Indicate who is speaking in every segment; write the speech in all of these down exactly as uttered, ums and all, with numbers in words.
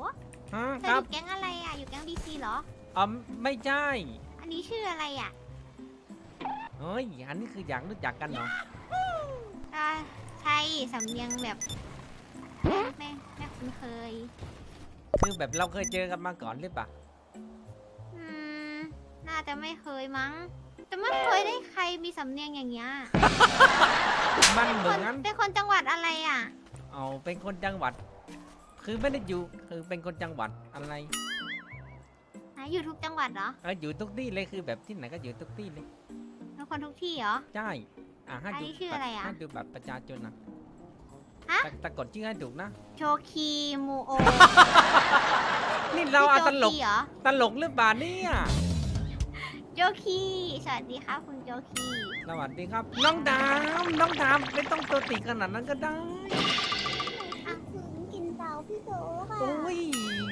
Speaker 1: ฮะ
Speaker 2: เธ
Speaker 1: ค
Speaker 2: ออ
Speaker 1: รับ
Speaker 2: ยู่แก๊งอะไรอ่ะอยู่แก๊งบีซีเหรอ
Speaker 1: อ๋อไม่ใช่
Speaker 2: อันนี้ชื่ออะไรอ่ะ
Speaker 1: เฮ้ยอันนี้คืออยากรู้จักกันเหรอ
Speaker 2: อ่าใช่สำเนียงแบบไม่ไม่ไม่คุ้นเคย
Speaker 1: คือแบบเราเคยเจอกันมาก่อนหรือเปล่า
Speaker 2: อืมน่าจะไม่เคยมั้งแต่ไม่เคยได้ใครมีสำเนียงอย่างเงี้ย
Speaker 1: มันเห
Speaker 2: ค
Speaker 1: มือน นกัน
Speaker 2: เป็นคนจังหวัดอะไรอ่ะ
Speaker 1: เอาเป็นคนจังหวัด คือไม่ได้อยู่คือเป็นคนจังหวัดอะไร
Speaker 2: ไหนอยู่ทุกจังหวัดเหรอ
Speaker 1: เอออยู่ทุกที่เลยคือแบบที่ไหนก็อยู่ทุกที่เลย
Speaker 2: เป็นคนทุกที่เหรอ
Speaker 1: ใช่อ่ะให้
Speaker 2: อัน
Speaker 1: ดู
Speaker 2: นี้ชื่ออะไรอะ
Speaker 1: ให้ดูบัตรประชาชนนะ
Speaker 2: ฮะ
Speaker 1: แต่แต่กดชื่อให้ถูกนะ
Speaker 2: โชคีมูโอ
Speaker 1: นี่เราเอาตลก
Speaker 2: พี่โจคีเหรอ
Speaker 1: ตลกหรือเปล่าเนี่ย
Speaker 2: โจคีสวัสดีครับคุณโจคี
Speaker 1: สวัสดีครับ น้องดามน้องดามไม่ต้องตัวติดขนาดนั้นก็ได้
Speaker 3: อ่ะถึงกินเตาพี่โตค่ะ
Speaker 1: โอ้ย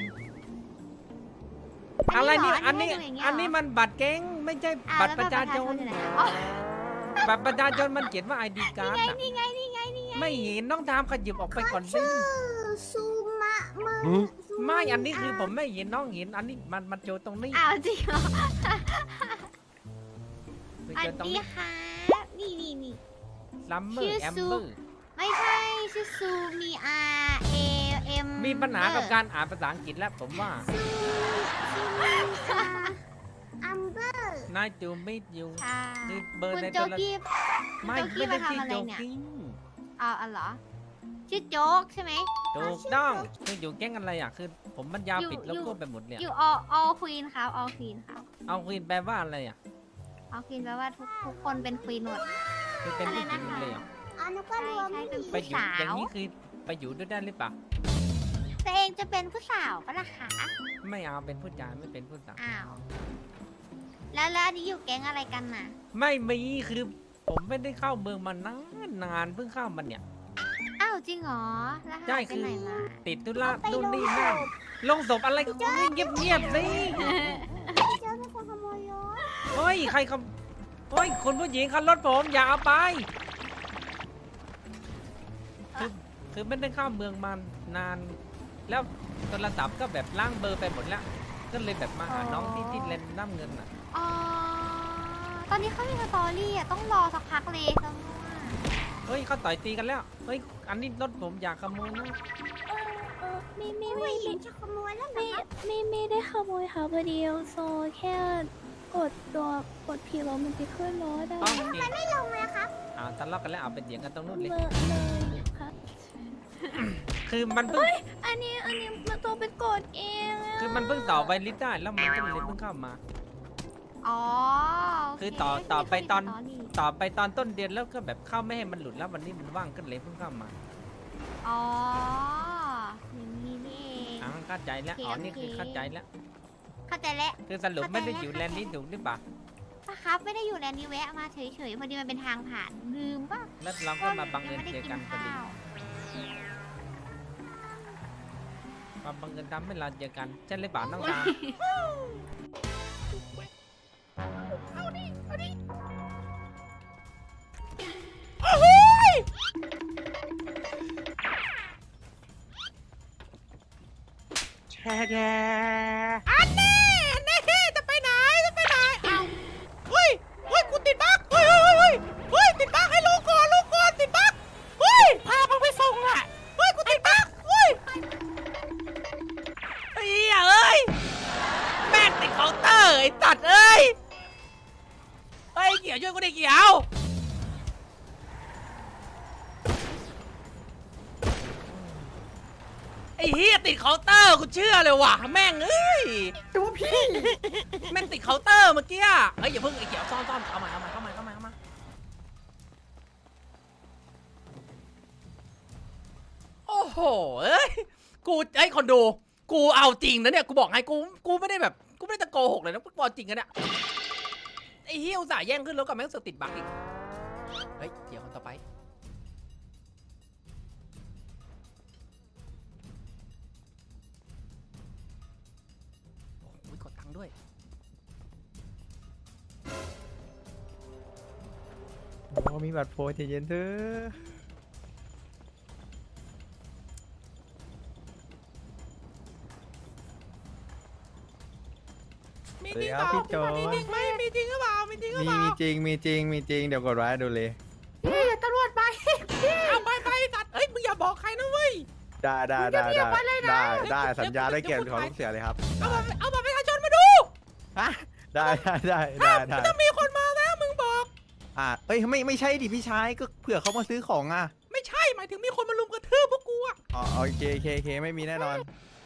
Speaker 1: อะไรเนี่ยอันนี้
Speaker 2: ให้ดูย่างเงี้ย
Speaker 1: อันนี้
Speaker 2: เหร
Speaker 1: มันบัตรเก้งไม่ใช่
Speaker 2: อ่า
Speaker 1: บัตร
Speaker 2: แล้ว
Speaker 1: ประชาชน
Speaker 2: อยู่ไหนอ๋อ
Speaker 1: บัตรประชาชนมันเขียนว่าไอดีการ์ด
Speaker 2: นี่ไงนี่ไงนี่ไง
Speaker 1: ไม่เห็นน้องดามขยิบออกไปก่อนสิ
Speaker 3: ชื่อซูมะมึงซู
Speaker 1: ไม่อันนี้คือผมไม่เห็นน้องเห็นอันนี้มันมันโจตรงนี้
Speaker 2: อ้าวจริงเหรอ
Speaker 1: ไป
Speaker 2: สวั
Speaker 1: เจ
Speaker 2: ส
Speaker 1: อตรง
Speaker 2: ดี
Speaker 1: นี้
Speaker 2: ค่ะนี่นี่นี่
Speaker 1: ซัมเมอ
Speaker 2: ชื่
Speaker 1: ร์
Speaker 2: อ
Speaker 1: แอม
Speaker 2: ซู
Speaker 1: เบอร์
Speaker 2: ไม่ใช่ชื่อซูมีอาเอเอ็ม
Speaker 1: มีปัญหากับการอ่านภาษาอังกฤษแล้วผมว่า
Speaker 3: อัมเบอร์
Speaker 1: นายจูมิดยู
Speaker 2: ค่ะ
Speaker 1: คือเบอร์
Speaker 2: คุณ
Speaker 1: ใน
Speaker 2: โจ
Speaker 1: โทรศัพท์
Speaker 2: กี้
Speaker 1: ไม่
Speaker 2: โจกี้
Speaker 1: ไม่ได้
Speaker 2: มาทำ
Speaker 1: ชื่อ
Speaker 2: อะไร
Speaker 1: โจ
Speaker 2: เนี่ย
Speaker 1: กิ้ง
Speaker 2: เอาอ๋อเหรอชื่อโจ๊กใช่ไหม
Speaker 1: ถูกต้องคืออยู่แก๊งอะไรอ่ะคือผมมันยาว
Speaker 2: อยู่
Speaker 1: ปิดแล้ว
Speaker 2: อยู่
Speaker 1: ก็ไปหมดเลย
Speaker 2: อยู่ออลควีนครับออลควีนครับ
Speaker 1: เอาควีนแปลว่าอะไรอ่ะ
Speaker 2: ออลควีนแปลว่าทุกทุกคนเป็นควีนหมด
Speaker 1: คือเป็นผู้หญิงหมดเลยเหรอ
Speaker 3: อันนั้นก็รวม
Speaker 2: ใช่ใช่เป็น
Speaker 1: ไปอยู่อย่างนี้คือไปอยู่ด้วยได้หรือเปล่า
Speaker 2: ตัวเองจะเป็นผู้สาวปะล่ะคะ
Speaker 1: ไม่เอาเป็นผู้ชายไม่เป็นผู้สาว
Speaker 2: อ้าวแล้วแล้วอันนี้อยู่แก๊งอะไรกันน่ะ
Speaker 1: ไม่มีคือผมไม่ได้เข้าเมืองมานานนานเพิ่งเข้ามันเนี่ย
Speaker 2: อ้าวจริงเหรอแล้ว
Speaker 1: ใช่
Speaker 2: หายไป
Speaker 1: คือ
Speaker 2: ไหนมา
Speaker 1: ติดธุระนู่นนี่นั่นลงศพอะไรก็เงียบเงียบๆสิ
Speaker 3: พี่เจอเป็นคนขโมยรถ
Speaker 1: เฮ้ยใครเขาเฮ้ยคนผู้หญิงขับรถผมอย่าเอาไปคือคือไม่ได้เข้าเมืองมานาน แล้วโทรศัพท์ก็แบบล้างเบอร์ไปหมดแล้ว ก็เลยแบบมาหาน้องที่ที่เลนน้ำเงินอ่ะ
Speaker 2: อ๋อตอนนี้เขามีสตอรี่อ่ะต้องรอสักพักเลยจังว่า
Speaker 1: เฮ้ยเขาต่อยตีกันแล้วเฮ้ยอันนี้รถผมอยากขโมยนะ
Speaker 4: เออไม่ไม่
Speaker 3: ผู้
Speaker 4: ไม่
Speaker 3: หญิ
Speaker 4: ไม่
Speaker 3: งจะขโมยแล้วเหรอ
Speaker 4: ไม่
Speaker 3: คะ
Speaker 4: ไม่ไม่ได้ขโมยค่ะพอดีโซแค่กดตัวกดผีแล้วมันจะขึ้นรถได้
Speaker 1: อ๋อโอเค
Speaker 3: ไม่ลงเลยครับ
Speaker 1: อ่าทะเลาะกันแล้วเอาไปเถียงกันตรงนู้นเลย
Speaker 4: เมื่อเลยค่ะ
Speaker 1: คือมันเพิ่ง
Speaker 4: อันนี้อันนี้มันตัวเป็นกดเองะ
Speaker 1: คือมันเพิ่งต่อไวลิสได้แล้วมันก็เลยเพิ่งเข้ามา
Speaker 2: อ๋อโเ
Speaker 1: คือต่อต่อไปตอน
Speaker 2: ม่มี
Speaker 1: ต่อไปตอนต้นเดือนแล้วก็แบบเข้าไม่ให้มันหลุดแล้ววันนี้มันว่างก็เลยเพิ่งเข้ามา
Speaker 2: อ๋ออย่างนี้นี่เอง
Speaker 1: อ่าเข้าใจแล้วอ๋อนี่คือเข้าใจแล้ว
Speaker 2: เข้าใจแล้ว
Speaker 1: คือสรุปไม่ได้อยู่แลนด์นี้ถูกหรือเปล่า
Speaker 2: ป้าครับไม่ได้อยู่แลนด์นี้แวะมาเฉยๆพอดีมันเป็นทางผ่านลืมป่ะ
Speaker 1: แล้วเราก็มาบังเอิญ
Speaker 2: ยังไม่
Speaker 1: เจ
Speaker 2: ได้
Speaker 1: อกันพอดี
Speaker 2: ข้าว
Speaker 1: มาบังเอิญทำให้เราเจอกันใช่หรือเปล่าน้องตา
Speaker 5: แช่แก
Speaker 1: อันนี้นี่จะไปไหนจะไปไหนเอาเฮ้ยเฮ้ยกูติดบั๊กเฮ้ยเฮ้ยเฮ้ยเฮ้ยติดบั๊กให้ลงก่อนลงก่อนติดบั๊กเฮ้ยพามึงไปส่งอ่ะเฮ้ยกูติดบั๊กเฮ้ยไอ้เหี้ยเอ้ยแม่งติดเคาน์เตอร์ไอ้ตัดเอ้ยเฮ้ยเกี่ยวช่วยกูดิเกี่ยวไอ้เฮียติดเคาน์เตอร์กูเชื่อเลยว่ะแม่งเอ้ย
Speaker 5: ตัวพี่
Speaker 1: แม่งติดเคาน์เตอร์เมื่อกี้อะเฮ้ยอย่าเพิ่งไอ้เกี่ยวซ่อนซ่อนเอามาเอามาเข้ามาเข้ามาเข้ามาโอ้โหเอ้ยกูไอ้คนดูกูเอาจริงนะเนี่ยกูบอกให้กูกูไม่ได้แบบกูไม่ได้ตะโกหกเลยนะกูบอกจริงนะเนี่ยไอ้เฮียอุตส่าห์แย่งขึ้นรถกับแม่งเสือกติดบั๊กอีกเฮ้ยเดี๋ยวคนต่อไปโอ้ยกดตังค์ด้วย
Speaker 5: โอ้มีบัตรโพสใจเย็นเถอะ
Speaker 1: มี
Speaker 5: สวัส
Speaker 1: จ
Speaker 5: ดี
Speaker 1: ริง
Speaker 5: ค
Speaker 1: เป
Speaker 5: รับ
Speaker 1: ล่า
Speaker 5: พี่โจ
Speaker 1: มีจริงไหมมีจริงหรือเปล่ามีจริงหรือ
Speaker 5: มี
Speaker 1: เปล่า
Speaker 5: มีจริงมีจริงมีจริงเดี๋ยวกดไว้ดูเลย
Speaker 2: พี่ตำรวจไป
Speaker 1: เอาไปไปสัตว์เอ้ยมึงอย่าบอกใครนะเว้ย
Speaker 5: ได้ได้ได้ได้ได้ได้สัญญาได้เกียรติของลูกเสือเลยครับ
Speaker 1: เอาบัตรเอาบัตรประชาชนมาดู
Speaker 5: ฮะได้ได้ได้ได้ได้
Speaker 1: ถ้ามีคนมาแล้วมึงบอก
Speaker 5: อ่ะเอ้ยไม่ไม่ใช่ดิพี่ชายก็เผื่อเขามาซื้อของอ่ะ
Speaker 1: ไม่ใช่หมายถึงมีคนมาลุมกระทืบพวกกูอะ
Speaker 5: อ๋อโอเคโอเคโอเคไม่มีแน่นอน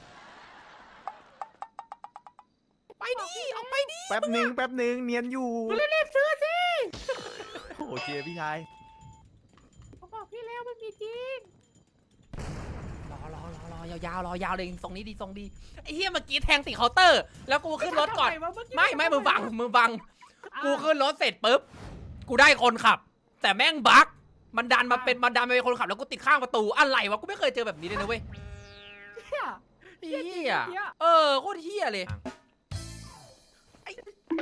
Speaker 1: ไปดิออกไปดิ
Speaker 5: แป๊บหนึ่งแป๊บหนึ่งเนียนอยู่
Speaker 1: มึงรีบซื้อสิ
Speaker 5: โอเคพี่ชาย
Speaker 2: บอกพี่แล้วมันมีจริง
Speaker 1: รอรอรอรอยาวๆรอยาวเลยทรงนี้ดีทรงดีไอ้เหี้ยเมื่อกี้แทงติดเคาน์เตอร์ แล้วกูขึ้นรถก่อนไม่ไม่มือบังมือบังกูขึ้นรถเสร็จปุ๊บกูได้คนขับ แต่แม่งบั๊กมันดันมาเป็นมันดันมาเป็นคนขับแล้วกูติดข้างประตูอะไรวะกูไม่เคยเจอแบบนี้เลยนะเว้ยเหี้ยเออโคตรเหี้ยเลยไอ้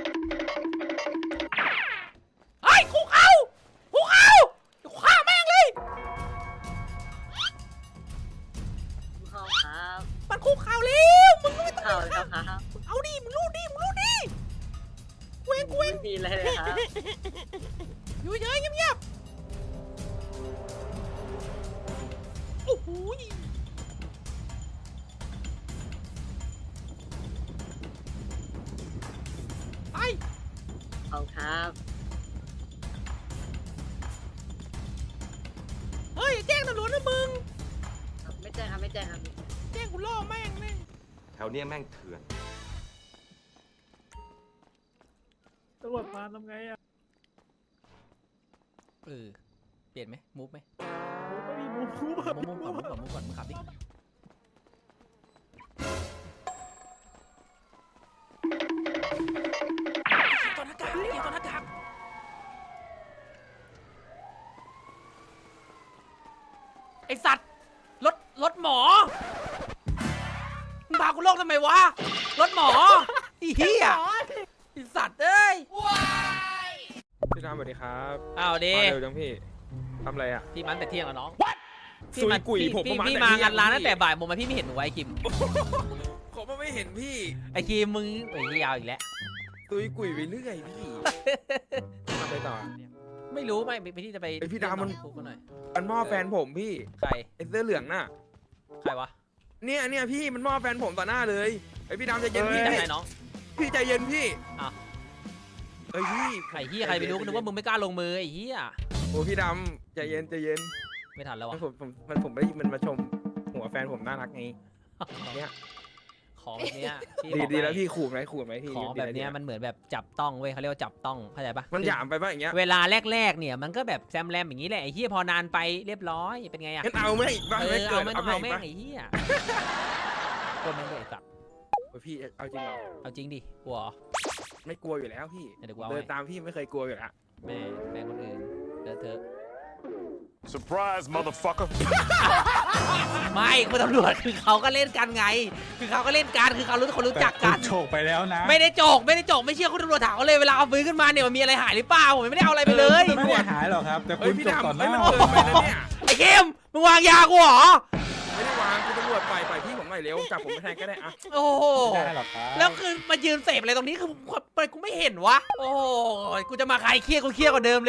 Speaker 1: ไอ้คุกเอาคุกเอาฆ่าแม่งเลย
Speaker 6: เข้าครับ
Speaker 1: มันคุกเข่าแล้วมึงก็ไม่ต้อง
Speaker 6: เข้าแล้วครับ
Speaker 1: เอาดิมึงรูดดิมึงรูดดิเว้งเว้ง
Speaker 6: ไม่มีอะไรเลยครับ
Speaker 1: อยู่เฉยเงียบๆโอ้โหไป
Speaker 6: เข้าครับ
Speaker 1: เฮ้ยแจ้งตำรวจนะมึง
Speaker 6: ไม่แจ้งครับไม่แจ้งครับ
Speaker 1: แจ้งกูล่อแม่งแม่ง
Speaker 7: แถวเนี้ยแม่งเถื่อน
Speaker 5: ตำรวจมาทำไงอ่ะ
Speaker 1: เออเปลี่ยนไหมมูฟไหม
Speaker 5: ไม่มีมูฟู
Speaker 1: มูฟมูฟก่อนมูฟก่อนมูฟก่อนมึงขับดิตัวหน้ากากเกี่ยวตัวหน้ากากไอสัตว์รถรถหมอมึงพากูโลกทำไมวะรถหมอไอีเหี้ยไอสัตว์เอ้ย
Speaker 8: พี่รามสวัสดีครับ
Speaker 1: อ้าวดิ
Speaker 8: มาเร็วจังพี่ทำอะไรอ่ะ
Speaker 1: พี่มันแต่เที่ยงแล้วน้อง
Speaker 8: ซุยกุยผม
Speaker 1: พี่
Speaker 8: ประมาณ
Speaker 1: พี่
Speaker 8: แต่
Speaker 1: มา
Speaker 8: เที่ย
Speaker 1: งานร้าน
Speaker 8: พี่
Speaker 1: ตั้งแต่บ่ายโมงมาพี่ไม่เห็นหนูไอ้คิม
Speaker 8: ผมก็ไม่เห็นพี่
Speaker 1: ไอ้คิมมึงไอ้ยาวอีกแล้ว
Speaker 8: ซุยกุยไปเรื่อยพี่ทำไปต่อ
Speaker 1: ไม่รู้ไม่ไปที่จะไป
Speaker 8: ไอ้พี่ดาวมัน
Speaker 1: คุกหน่อย
Speaker 8: มันหม้อแฟนผมพี่
Speaker 1: ใคร
Speaker 8: ไอ้เสื้อเหลืองน่ะ
Speaker 1: ใครวะ
Speaker 8: เนี่ยเนี่ยพี่มันหม้อแฟนผมต่อหน้าเลยไอ้พี่ดามใจเย็นพี่
Speaker 1: จากไหนน้อง
Speaker 8: พี่ใจเย็นพี่
Speaker 1: อ้าว
Speaker 8: เอ้ยพี่
Speaker 1: ไอ้เหี้ยใครไปรู้ก็นึกว่ามึงไม่กล้าลงมือไอ้เหี้ย
Speaker 8: โอ้พี่ดำใจเย็นใจเย็น
Speaker 1: ไม่ทันแล้ว
Speaker 8: มั
Speaker 1: วะ
Speaker 8: นผมผมมันผมได้ยินมันมาชมหัวแฟนผมน่ารักไงเนี่ย
Speaker 1: ของแบบเนี้ยพี่
Speaker 8: ดี
Speaker 1: บอก
Speaker 8: ดีแล้ว
Speaker 1: ให้
Speaker 8: พี่ขู่ไหมขู่ไหมพี่
Speaker 1: ของแบบเนี้ยมันเหมือนแบบจับต้องเว้ยเขาเรียกว่าจับต้องเข้าใจปะ
Speaker 8: มันหยามไปป่ะอย่างเงี้ย
Speaker 1: เวลาแรกๆเนี่ยมันก็แบบแซมแรมอย่างนี้แหละไอ้เหี้ยพอนานไปเรียบร้อยเป็นไงอะ
Speaker 8: งั้นเอาไหมอีกบ้าง
Speaker 1: เอ
Speaker 8: ไหม
Speaker 1: อ
Speaker 8: เกิ
Speaker 1: เอา
Speaker 8: ด
Speaker 1: ไม่ต้
Speaker 8: เอา
Speaker 1: อง
Speaker 8: ไหม
Speaker 1: เอา
Speaker 8: อีก
Speaker 1: แม่ง
Speaker 8: บ้าง
Speaker 1: ไอ้เหี้ยคนแม่งเลยสัตว์
Speaker 8: โอ้ยพี่เอาจริงเหรอ
Speaker 1: เอาจริงดิกลัวเหรอ
Speaker 8: ไม่กลัวอยู่แล้วพี่
Speaker 1: เดี๋ยวกูเอา
Speaker 8: เดิน
Speaker 1: ให้
Speaker 8: ตามพี่ไม่เคยกลัวอยู่แล้ว
Speaker 1: แม่แม่คนอื่นเลอะเทอะ
Speaker 7: surprise motherfucker
Speaker 1: ไม่คุณตำรวจคือเขาก็เล่นกันไง คือเขาก็เล่นกันคือเขารู้คนรู้จักกัน
Speaker 5: โฉกไปแล้วนะ
Speaker 1: ไม่ได้โจกไม่ได้โจกไม่เชื่อคุณตำรวจถามเขาเลยเวลาเอาปืนขึ้นมาเนี่ยมันมีอะไรหายหรือเปล่าผมไม่ได้เอาอะไรไปเลย
Speaker 5: ไม่ได้หายหรอกครับ แต่
Speaker 8: เฮ้
Speaker 5: คุ
Speaker 8: ย
Speaker 5: ณ
Speaker 8: พี่
Speaker 5: จบต่อ
Speaker 8: ดำ
Speaker 5: ห
Speaker 8: เฮ้ย
Speaker 5: น้า
Speaker 8: มันเกินไปนะเนี่ย
Speaker 1: ไอ้เข้มมึงวางยากูเหรอ
Speaker 8: ไม่ได้วางคุณตำรวจปล่อยปล่อยพี่ผมหน่อยเร็วจับผมไปแทนก็ได้อะ
Speaker 1: โอ้โห
Speaker 5: ไม่ได้หรอกครับ
Speaker 1: แล้วคือมายืนเสพอะไรตรงนี้คือทำไมกูไม่เห็นวะโอ้โหกูจะมาใครเครียดกูเครียดกว่าเดิมเลย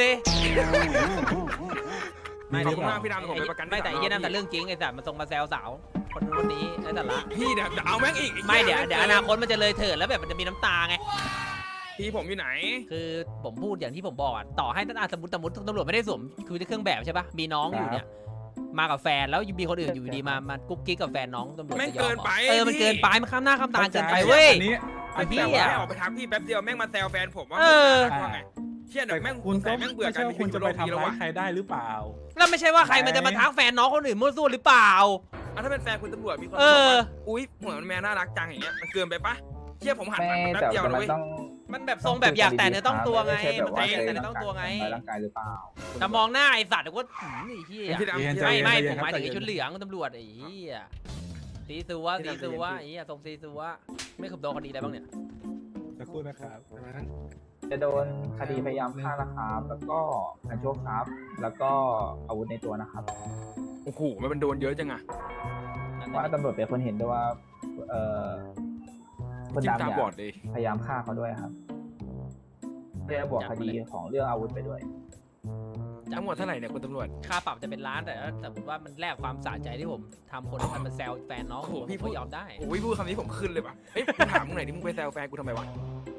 Speaker 8: ขอบคุณมากพี่ดำผมไปประกัน
Speaker 1: ไม่แต่ไอ้เหี้ยนั่นแต่เรื่องจริงไอ้สัตว์มันส่งมาแซวสาวคนนู้นคนนี้ไอ้สาระ
Speaker 8: พี่เดี๋ยวจะเอาแม่งอีก
Speaker 1: ไม่เดี๋ยวเดี๋ยวอนาคตมันจะเลยเถิดแล้วแบบมันจะมีน้ำตาไง
Speaker 8: พี่ผมอยู่ไหน
Speaker 1: คือผมพูดอย่างที่ผมบอกอ่ะต่อให้ตั้งสมมติสมมติตำรวจไม่ได้สวมคือเครื่องแบบใช่ปะมีน้องอยู่เนี่ยมากับแฟนแล้วมีคนอื่นอยู่ดีมามากุ๊กกิ๊กกับแฟนน้องตำรวจ
Speaker 8: แม่ง
Speaker 1: จะยอ
Speaker 8: เกิ
Speaker 1: ม
Speaker 8: น
Speaker 1: เหรอ
Speaker 8: ไป
Speaker 1: เออมัน
Speaker 8: พี่
Speaker 1: เกินไปมันข้ามหน้าข้ามตาเกินไปเว้ย
Speaker 5: อันนี้
Speaker 1: ไอ้พี่
Speaker 8: แต่
Speaker 1: อะ
Speaker 8: ว่าให้ออกไปทักพี่แป๊บเดียวแม่งมาแซวแฟนผมว่า
Speaker 1: เออ
Speaker 8: ว่าไงเชี่ยเดี๋ยวแม่ง
Speaker 5: คุณก็
Speaker 8: ใส่แม่งเบื่อ
Speaker 5: ไม่
Speaker 8: กัน
Speaker 5: ใช่ว่าคุณจะไปทำ
Speaker 8: แล้ว
Speaker 5: ร้า
Speaker 8: ว่ะ
Speaker 5: ยใครได้หรือเปล่า
Speaker 1: แล้วไม่ใช่ว่าใครมันจะมาทักแฟนน้องคนอื่นมั่วซั่วหรือเปล่า
Speaker 8: อ่ะถ้าเป็นแฟนคุณตำรวจมีคน
Speaker 1: เอ
Speaker 8: บอก
Speaker 1: อ
Speaker 8: ว่าอุ้ยหัวมันแม่น่ารักจังอย่างเงี้ยมันเกินไปปะเชี่ยผมหันหลังไปแป๊บเดียวเลยเว้ย
Speaker 1: มันแบบทรงแบบอยากแต่เนื้อต้องตัวไงมันใจแต่เนื้อต้องตัวไง
Speaker 9: ร่างกายหรือเปล่า
Speaker 1: แต่มองหน้าไอ้สัตว์ก็หืมไอ้เหี้ย
Speaker 8: พี่ดำ
Speaker 5: เย็น
Speaker 8: พี่
Speaker 5: ใจ
Speaker 8: ดำ
Speaker 1: ไม่
Speaker 5: เย็น
Speaker 1: ไม่
Speaker 5: ใจ
Speaker 1: ผมหมายถึงไอ้
Speaker 5: เย็น
Speaker 1: ชุดเหลืองตำรวจไอ้เหี้ยซีซัวซีซัวไอ้เหี้ยทรงซีซัวไม่ขับโดนคดีอะไรบ้างเนี่ย
Speaker 5: สักครู่นะครับ
Speaker 9: จะโดนคดีพยายามฆ่านะครับแล้วก็การโชคทรัพย์แล้วก็อาวุธในตัวนะครับ
Speaker 8: โอ้โหมันโดนเยอะจังอะ
Speaker 9: ว่าตำรวจเป็นคนเห็นด้วยว่าเอ่อคน
Speaker 8: จิ้ม
Speaker 9: ดำ
Speaker 8: ตา
Speaker 9: เนี่ย
Speaker 8: บอดเลย
Speaker 9: พยายามฆ่าเขาด้วยครับเรียกบวกคดีของเรื่องอาวุธไปด้วย
Speaker 8: ทั้งหมดเท่าไหร่เนี่ยคุณตำรวจ
Speaker 1: ค่าปรับจะเป็นล้านแต่ถ้าสมมติว่ามันแลกความสะใจที่ผมทำคนให้มันมาแซวแฟนน้อง
Speaker 8: โอ้โห
Speaker 1: ผม
Speaker 8: พี่พู
Speaker 1: ก็
Speaker 8: ด
Speaker 1: ยอมได้
Speaker 8: โอ้ยพูดคำนี้ผมขึ้นเลยว่ะเอ้ยกูถามมึงหน่อยดิมึงไปแซวแฟนกูทำไมวะ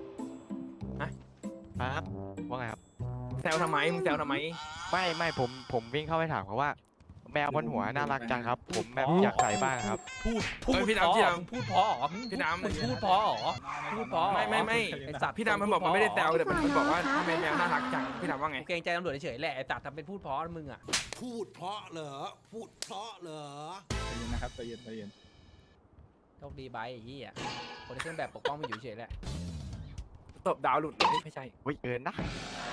Speaker 10: ครับว่าไงครับ
Speaker 8: แซวทำไมมึงแซวทำไม
Speaker 10: ไม่ไม่ผมผมวิ่งเข้าไปถามเขาว่า แมวบนหัวน่ารักจังครับ ผมแบบอยากใส่บ้างครับ
Speaker 1: พูดพูด
Speaker 8: เอ้ยพี่
Speaker 1: เพ
Speaker 8: ดำ
Speaker 1: ราะ
Speaker 8: พี่
Speaker 1: เหรอ
Speaker 8: ดำ
Speaker 1: พูดเพราะเหรอ
Speaker 8: พี่ดำ
Speaker 1: มึงพูดเพราะเหรอพูดเพราะเหรอ
Speaker 8: ไม่ไม่ไม่
Speaker 1: ไอสัตว์
Speaker 8: พี่ดำมันบอกมันไม่ได้แซวแต่มันบอกว่าทำไมแมวน่ารักจังพี่ดำว่าไง
Speaker 1: กูเกรงใจตำรวจเฉยๆแหละไอสัตว์ทำเป็นพูดเพราะมึงอ่ะ
Speaker 11: พูดเพราะเหรอ พูดเพราะเหรอ
Speaker 9: ใจเย็นนะครับใจเย็นใจเย็น
Speaker 1: โชคดีไปไอ้เหี้ยคนในเครื่องแบบปกป้องมันอยู่เฉยๆแหละ
Speaker 8: ตบดาวหลุดเลยไม่ใช่
Speaker 10: วิเกินนะ
Speaker 1: ไ